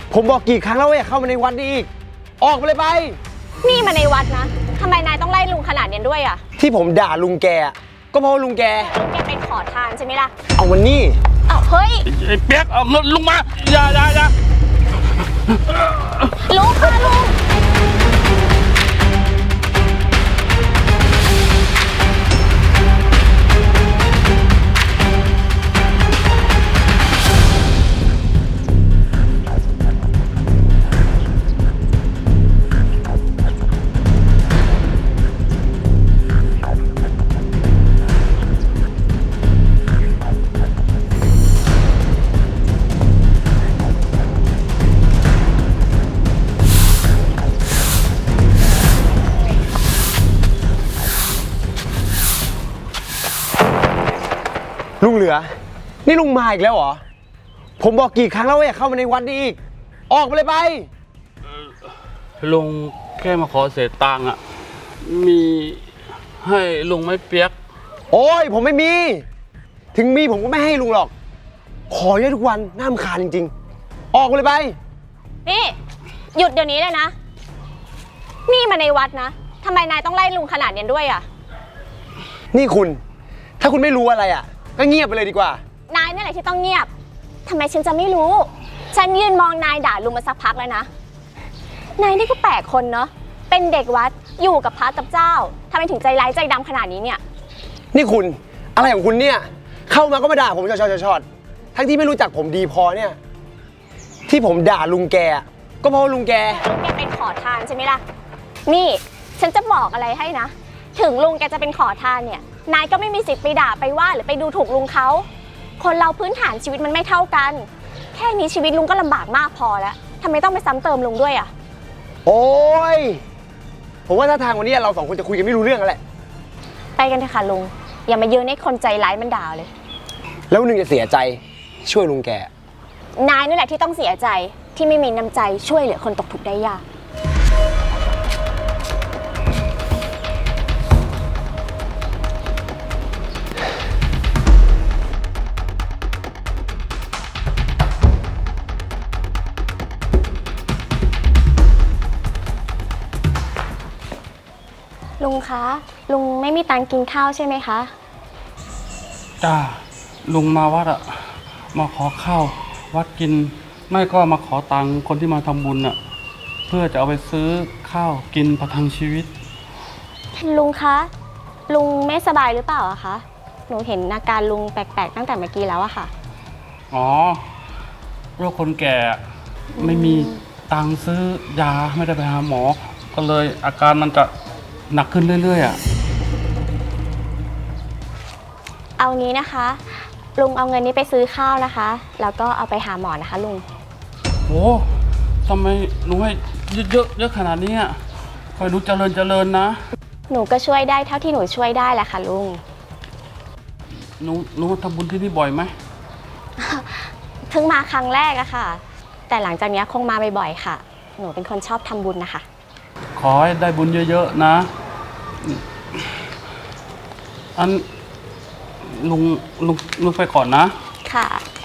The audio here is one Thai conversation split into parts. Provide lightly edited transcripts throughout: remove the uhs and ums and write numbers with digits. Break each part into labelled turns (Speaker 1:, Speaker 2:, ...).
Speaker 1: ผมบอกกี่ครั้งแล้วว่าอย่าเข้ามาในวัดนี้อีกออกไปเลยไป
Speaker 2: นี่มาในวัดนะทำไมนายต้องไล่ลุงขนาดนี้ด้วยอ่ะ
Speaker 1: ที่ผมด่าลุงแกก็เพราะลุงแก
Speaker 2: เป็นขอทานใช่ไหมล่ะ
Speaker 1: เอาวันนี้
Speaker 2: เฮ้ย
Speaker 3: ไอ้เปียกเอาเงินลุงมาอย่า
Speaker 2: ลุงค่ะลุง
Speaker 1: ลุงเหลือนี่ลุงมาอีกแล้วเหรอผมบอกกี่ครั้งแล้วว่าอย่าเข้ามาในวัดนี้อีกออกไปเลยไป
Speaker 3: ลุงแค่มาขอเศษตังค์อ่ะมีให้ลุงไม่เปียก
Speaker 1: โอ้ยผมไม่มีถึงมีผมก็ไม่ให้ลุงหรอกขอเยอะทุกวันน่ารำคาญจริงๆออกไปเลยไป
Speaker 2: นี่หยุดเดี๋ยวนี้เลยนะนี่มาในวัดนะทำไมนายต้องไล่ลุงขนาดนี้ด้วยอ่ะ
Speaker 1: นี่คุณถ้าคุณไม่รู้อะไรอ่ะก็เงียบไปเลยดีกว่าน
Speaker 2: ายนี่แหละที่ต้องเงียบทำไมฉันจะไม่รู้ฉันยืนมองนายด่าลุงมาสักพักแล้วนะนายนี่ก็แปลกคนเนาะเป็นเด็กวัดอยู่กับพระกับเจ้าทำไมถึงใจร้ายใจดำขนาดนี้เนี่ย
Speaker 1: นี่คุณอะไรของคุณเนี่ยเข้ามาก็มาด่าผมชอดทั้งที่ไม่รู้จักผมดีพอเนี่ยที่ผมด่าลุงแกก็เพราะลุงแก
Speaker 2: เป็นขอทานใช่ไหมล่ะนี่ฉันจะบอกอะไรให้นะถึงลุงแกจะเป็นขอทานเนี่ยนายก็ไม่มีสิทธิ์ไปด่าไปว่าหรือไปดูถูกลุงเขาคนเราพื้นฐานชีวิตมันไม่เท่ากันแค่นี้ชีวิตลุงก็ลำบากมากพอแล้วทำไมต้องไปซ้ำเติมลุงด้วยอ่ะ
Speaker 1: โอ้ยผมว่าถ้าทางวันนี้เราสองคนจะคุยกันไม่รู้เรื่องแล้วแหละ
Speaker 2: ไปกันเถอะค่ะลุงอย่ามายืนให้คนใจร้ายมันด่าเลย
Speaker 1: แล้วนึงจะเสียใจช่วยลุงแก
Speaker 2: นายนี่แหละที่ต้องเสียใจที่ไม่มีน้ำใจช่วยเหลือคนตกทุกข์ได้ยากลุงคะลุงไม่มีตังค์กินข้าวใช่ไหมคะ
Speaker 3: จ้าลุงมาวัดอะมาขอข้าววัดกินไม่ก็มาขอตังค์คนที่มาทำบุญอะเพื่อจะเอาไปซื้อข้าวกินประทังชีวิต
Speaker 2: ลุงคะลุงไม่สบายหรือเปล่าอะคะหนูเห็นอาการลุงแปลกๆตั้งแต่เมื่อกี้แล้วอะค่ะ
Speaker 3: อ๋อโรคคนแก่ไม่มีตังค์ซื้อยาไม่ได้ไปหาหมอก็เลยอาการมันจะหนักขึ้นเรื่อยๆอ่ะ
Speaker 2: เอางี้นะคะลุงเอาเงินนี้ไปซื้อข้าวนะคะแล้วก็เอาไปหาหมอนะคะลุง
Speaker 3: โอ้ทำไมลุงให้เยอะขนาดนี้อ่ะคอยดูเจริญนะ
Speaker 2: หนูก็ช่วยได้เท่าที่หนูช่วยได้แหละค่ะลุง
Speaker 3: หนูทำบุญที่นี่บ่อยไหม
Speaker 2: เพิ่งมาครั้งแรกอะค่ะแต่หลังจากนี้คงมาบ่อยๆค่ะหนูเป็นคนชอบทำบุญนะคะ
Speaker 3: ขอให้ได้บุญเยอะๆนะอันลุงไปก่อนนะ
Speaker 2: ค่ะ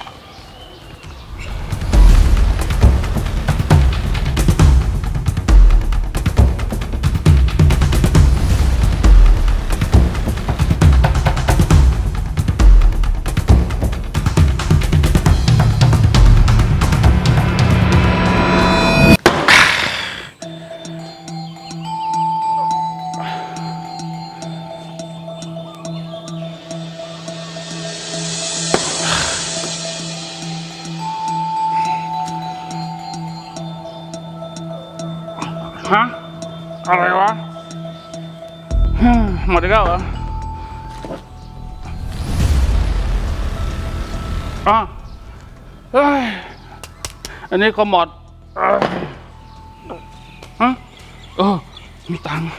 Speaker 3: ฮะอะไรวะหมดแล้วเหรอเฮ้ยอันนี้ก็หมดฮะมีตังค์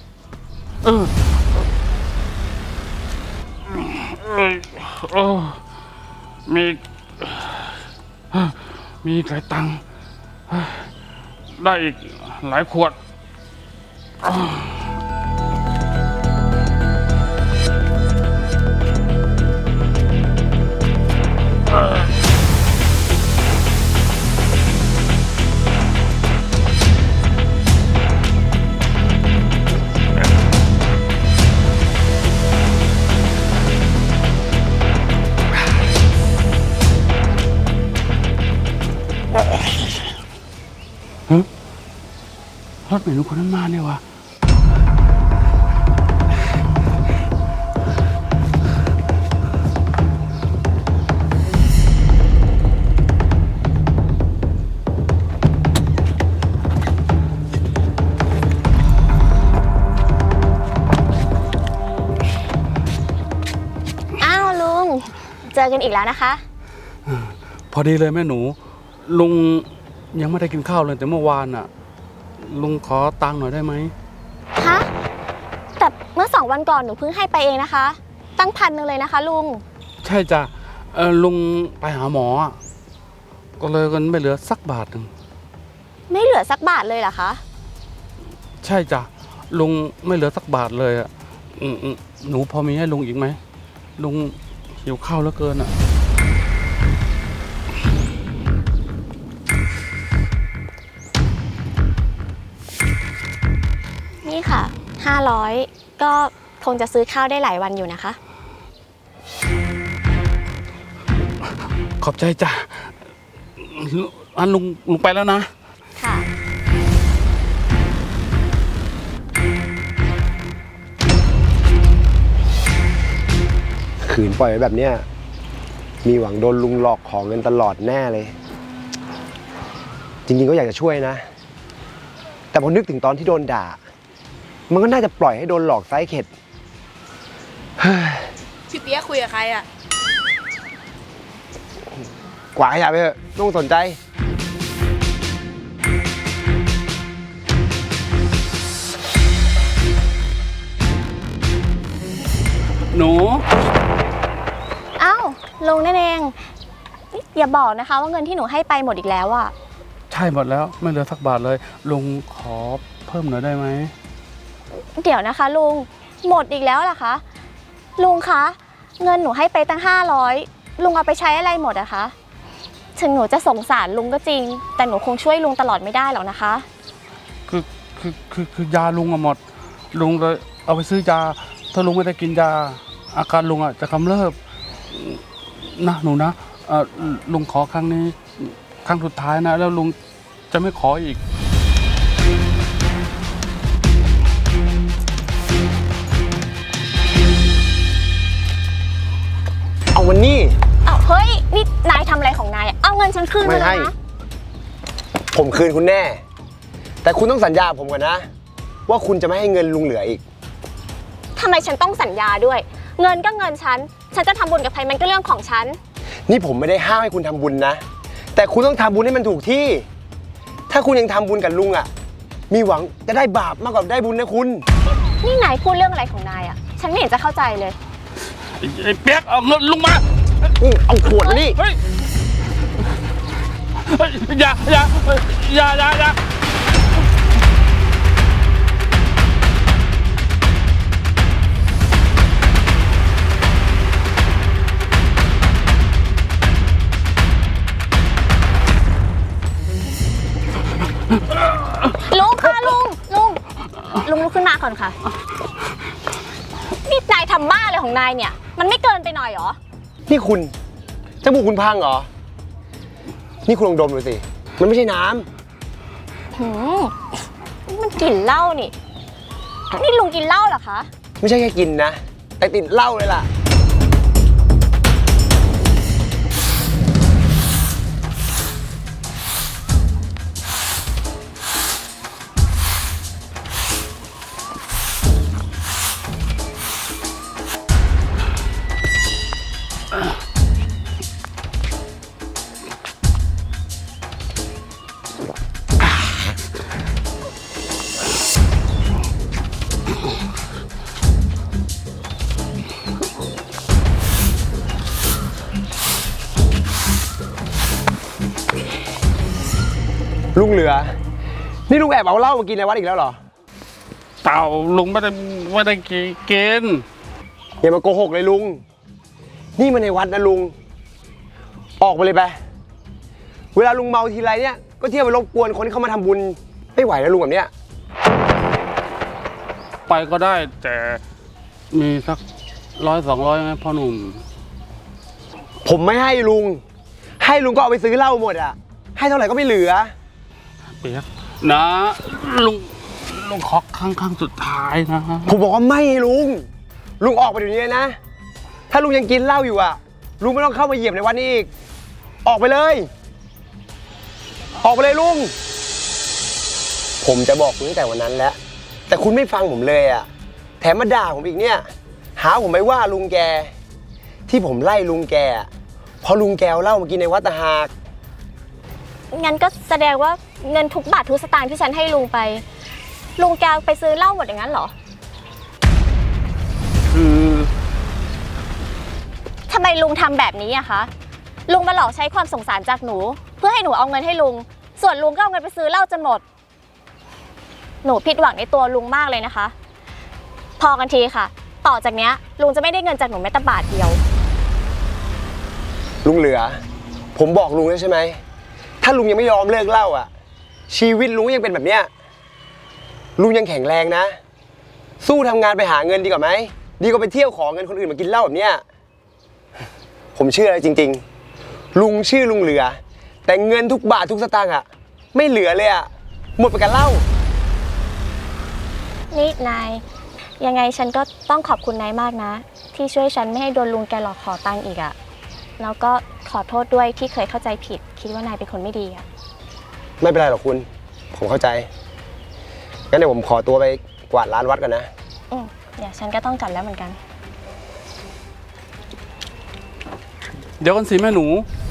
Speaker 3: มีหลายตังค์ได้อีกหลายขวดรถเมล์ลุงคนนั้นมาเนี่ยวะ
Speaker 2: อ้าวลุง เจอกันอีกแล้วนะคะ
Speaker 3: พอดีเลยแม่หนู ลุงยังไม่ได้กินข้าวเลยแต่เมื่อวานอ่ะ ลุงขอตังค์หน่อยได้ไหม
Speaker 2: ฮะ แต่เมื่อ2 วันก่อนหนูเพิ่งให้ไปเองนะคะ ตั้ง1,000เลยนะคะลุง
Speaker 3: ใช่จ้ะลุงไปหาหมออะก็เลยเงินไม่เหลือสักบาทหนึ่ง
Speaker 2: ไม่เหลือสักบาทเลยเหรอคะ
Speaker 3: ใช่จ้ะลุงไม่เหลือสักบาทเลยอ่ะหนูพอมีให้ลุงอีกไหมลุงหิวข้าวเหลือเกินอ่ะ
Speaker 2: นี่ค่ะ 500 ก็คงจะซื้อข้าวได้หลายวันอยู่นะคะ
Speaker 3: ขอบใจจ้ะอันลุงไปแล้วนะ
Speaker 2: ค่ะ
Speaker 1: ขืนปล่อยไว้แบบเนี้ยมีหวังโดนลุงหลอกของเงินตลอดแน่เลย จริงๆก็อยากจะช่วยนะ แต่พอนึกถึงตอนที่โดนด่า มันก็น่าจะปล่อยให้โดนหลอกไซส์เข็ด
Speaker 4: พี่เปี๊ยกคุยกับใครอ่ะ
Speaker 1: กว่าขยะไปเถอะไม่ต้องสนใจ
Speaker 3: หนู
Speaker 2: อ้าวลุงนั่นเองนี่อย่าบอกนะคะว่าเงินที่หนูให้ไปหมดอีกแล้วอะ
Speaker 3: ใช่หมดแล้วไม่เหลือสักบาทเลยลุงขอเพิ่มหน่อยได้ไหม
Speaker 2: เดี๋ยวนะคะลุง หมดอีกแล้วเหรอคะ ลุงคะ เงินหนูให้ไปตั้ง500ลุงเอาไปใช้อะไรหมดอะคะ ถึงหนูจะสงสารลุงก็จริง แต่หนูคงช่วยลุงตลอดไม่ได้หรอกนะคะ
Speaker 3: คือยาลุงอะหมด ลุงเลยเอาไปซื้อยาถ้าลุงไม่ได้กินยาอาการลุงอะจะกำเริบนะหนูนะลุงขอครั้งนี้ครั้งสุดท้ายนะแล้วลุงจะไม่ขออีก
Speaker 1: เอาวันนี้
Speaker 2: อ้าวเฮ้ย นี่นายทำอะไรของนายอะเอาเงินฉันคืน
Speaker 1: ไม่
Speaker 2: มาเล
Speaker 1: ให้
Speaker 2: ยนะ
Speaker 1: ผมคืนคุณแน่ แต่คุณต้องสัญญาผมก่อนนะ ว่าคุณจะไม่ให้เงินลุงเหลืออีก
Speaker 2: ทำไมฉันต้องสัญญาด้วย เงินก็เงินฉัน ฉันจะทำบุญกับใครมันก็เรื่องของฉัน
Speaker 1: นี่ผมไม่ได้ห้ามให้คุณทำบุญนะ แต่คุณต้องทำบุญให้มันถูกที่ ถ้าคุณยังทำบุญกับลุงอ่ะ มีหวังจะได้บาปมากกว่าได้บุญนะคุณ
Speaker 2: นี่นายพูดเรื่องอะไรของนายอะฉันไม่เห็นจะเข้าใจเลย
Speaker 3: ไอ้เปียกเอาเงินลุงมา
Speaker 1: เอาขวดมานี่
Speaker 3: เฮ้ยอย่า
Speaker 2: ลุงค่ะลุงลุกขึ้นมาก่อนค่ะ นี่นายทำบ้าอะไรของนายเนี่ย มันไม่เกินไปหน่อยเหรอ
Speaker 1: นี่คุณจมูกคุณพังเหรอ นี่คุณลองดมดูสิ มันไม่ใช่น้ำ
Speaker 2: หืมนี่มันกลิ่นเหล้านี่ นี่ลุงกินเหล้าเหรอคะ
Speaker 1: ไม่ใช่แค่กินนะ แต่ติดเหล้าเลยล่ะ ลุงเหลือ นี่ลุงแอบเอาเหล้ามากินในวัดอีกแล้วเหรอ
Speaker 3: เต่าลุงไม่ได้กิน
Speaker 1: อย่ามาโกหกเลยลุง นี่มันในวัดนะลุง ออกไปเลยไป เวลาลุงเมาทีไรเนี่ย ก็เที่ยวไปรบกวนคนที่เขามาทำบุญ ไม่ไหวแล้วลุงแบบเนี้ย
Speaker 3: ไปก็ได้แต่มีสัก100-200ไหมพ่อหนุ่ม
Speaker 1: ผมไม่ให้ลุง ให้ลุงก็เอาไปซื้อเหล้าหมดอ่ะ ให้เท่าไหร่ก็ไม่เหลือ
Speaker 3: เปียกนะลุงลุงขอครั้งสุดท้ายนะ
Speaker 1: ผมบอกว่าไม่ลุง ลุงออกไปเดี๋ยวนี้เลยนะ ถ้าลุงยังกินเหล้าอยู่อ่ะ ลุงไม่ต้องเข้ามาเหยียบในวันนี้อีก ออกไปเลย ออกไปเลยลุง ผมจะบอกคุณตั้งแต่วันนั้นแล้ว แต่คุณไม่ฟังผมเลยอ่ะ แถมมาด่าผมอีกเนี่ย หาผมไปว่าลุงแก ที่ผมไล่ลุงแกอะเพราะลุงแกเอาเหล้ามากินในวัดตะหาก
Speaker 2: งั้นก็แสดงว่าเงินทุกบาททุกสตางค์ที่ฉันให้ลุงไป ลุงแกไปซื้อเหล้าหมดอย่างนั้นเหรอ
Speaker 3: คือ
Speaker 2: ทำไมลุงทำแบบนี้อะคะ ลุงมาหลอกใช้ความสงสารจากหนู เพื่อให้หนูเอาเงินให้ลุง ส่วนลุงก็เอาเงินไปซื้อเหล้าจนหมด หนูผิดหวังในตัวลุงมากเลยนะคะ พอกันทีค่ะ ต่อจากเนี้ยลุงจะไม่ได้เงินจากหนูแม้แต่บาทเดียว
Speaker 1: ลุงเหลือ ผมบอกลุงแล้วใช่ไหม ถ้าลุงยังไม่ยอมเลิกเหล้าอ่ะ ชีวิตลุงยังเป็นแบบเนี้ย ลุงยังแข็งแรงนะ สู้ทำงานไปหาเงินดีกว่าไหม ดีกว่าไปเที่ยวขอเงินคนอื่นมากินเหล้าแบบเนี้ย ผมเชื่อเลยจริงๆ ลุงชื่อลุงเหลือ แต่เงินทุกบาททุกสตางค์อ่ะ ไม่เหลือเลยอ่ะ หมดไปกับเหล้า
Speaker 2: นี่นาย ยังไงฉันก็ต้องขอบคุณนายมากนะ ที่ช่วยฉันไม่ให้โดนลุงแกหลอกขอตังค์อีกอะแล้วก็ขอโทษด้วยที่เคยเข้าใจผิด คิดว่านายเป็นคนไม่ดีอะ
Speaker 1: ไม่เป็นไรหรอกคุณ ผมเข้าใจ งั้นเดี๋ยวผมขอตัวไปกวาดร้านวัดก่อนนะ
Speaker 2: เดี๋ยวฉันก็ต้องกลับแล้วเหมือนกัน
Speaker 3: เดี๋ยวกันสิแม่หนู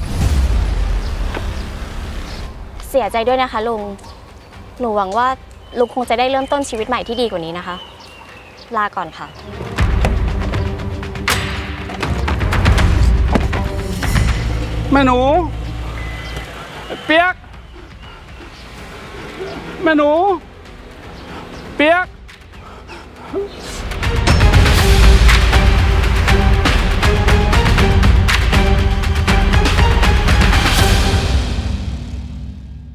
Speaker 2: เสียใจด้วยนะคะลุง หนูหวังว่าลุงคงจะได้เริ่มต้นชีวิตใหม่ที่ดีกว่านี้นะคะ ลาก่อนค่ะ
Speaker 3: แม่หนูเปียก แม่หนู เปียก